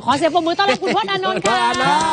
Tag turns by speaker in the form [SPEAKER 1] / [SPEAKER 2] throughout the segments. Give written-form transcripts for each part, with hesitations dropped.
[SPEAKER 1] ขอเสียงปรบมือต้อนรับคุณพจน์อานนท์ค่ะ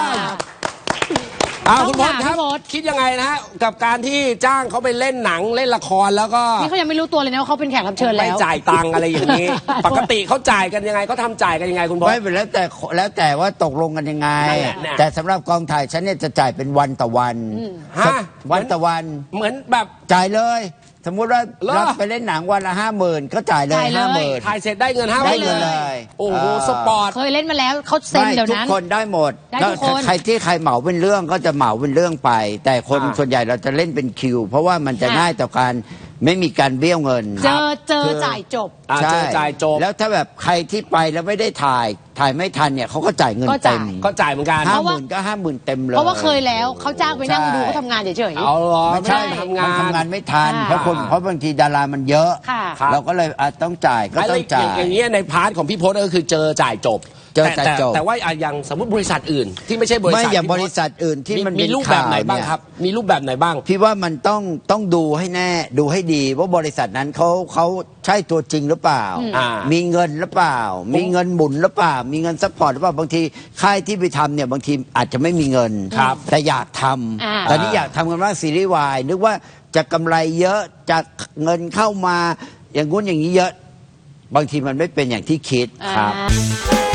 [SPEAKER 2] คุณพจน์ครับคิดยังไงนะฮะกับการที่จ้างเขาไปเล่นหนังเล่นละครแล้วก็
[SPEAKER 1] นี่เขายังไม่รู้ตัวเลยนะว่าเขาเป็นแขกรับเชิญแล้ว
[SPEAKER 2] ไม่จ่ายตังค์อะไรอย่างนี้ ปกติเขาจ่ายกันยังไงเขาทำจ่ายกันยังไงคุณพจน์
[SPEAKER 3] ไม่เป็นแล้วแต่ว่าตกลงกันยังไงแต่สำหรับกองถ่ายฉันเนี่ยจะจ่ายเป็นวันต่อวันวันต่อวัน
[SPEAKER 2] เหมือนแบบ
[SPEAKER 3] จ่ายเลยสมมุติว่ารับไปเล่นหนังวันละ50,000ก็จ่ายเลย50,000
[SPEAKER 2] ถ่ายเสร็จได้เงิน50,000
[SPEAKER 3] ได้เงินเลย
[SPEAKER 2] โอ้โหสปอร์ต
[SPEAKER 1] เคยเล่นมาแล้วเขาเซ็นเดี๋ยวนั้น
[SPEAKER 3] ทุกคนได้หมดใครที่ใครเหมาเป็นเรื่องก็จะเหมาเป็นเรื่องไปแต่คนส่วนใหญ่เราจะเล่นเป็นคิวเพราะว่ามันจะง่ายต่อการไม่มีการเบี้ยวเงิน
[SPEAKER 1] เจอจ่ายจบ
[SPEAKER 3] ใช่จ่ายจบแล้วถ้าแบบใครที่ไปแล้วไม่ได้ถ่ายไม่ทันเนี่ยเขาก็จ่ายเงินเต็ม
[SPEAKER 2] ก็จ่ายเหมือนกัน
[SPEAKER 3] 50,000ก็50,000เต็มเลย
[SPEAKER 1] เพราะว่าเคยแล้วเขาจ้างไปนั่งดูเขาทำงานเฉย
[SPEAKER 2] ๆเอาหรอ
[SPEAKER 3] ไม่ใช่ทำงานไม่ทันเพราะบางทีดารามันเยอะเราก็เลยต้องจ่ายก็ต้องจ่าย
[SPEAKER 2] อย่างเงี้ยในพาร์ทของพี่พจน์ก็คือเจอจ่ายจบแต่ว่าอย่างสมมติบริษัทอื่นที่ไม่ใช่บริษัท
[SPEAKER 3] ไม่อย่างบริษัทอื่นที่มัน
[SPEAKER 2] มีรูปแบบไหนบ้างครับมีรูปแบบไหนบ้าง
[SPEAKER 3] พี่ว่ามันต้องดูให้แน่ดูให้ดีว่าบริษัทนั้นเขาใช่ตัวจริงหรือเปล่ามีเงินหรือเปล่ามีเงินหมุนหรือเปล่ามีเงินซัพพอร์ตหรือเปล่าบางทีค่ายที่ไปทำเนี่ยบางทีอาจจะไม่มีเงินแต่อยากทำตอนนี้อยากทำกันว่าซีรีส์วายนึกว่าจะกำไรเยอะจะเงินเข้ามาอย่างงู้นอย่างนี้เยอะบางทีมันไม่เป็นอย่างที่คิดครับ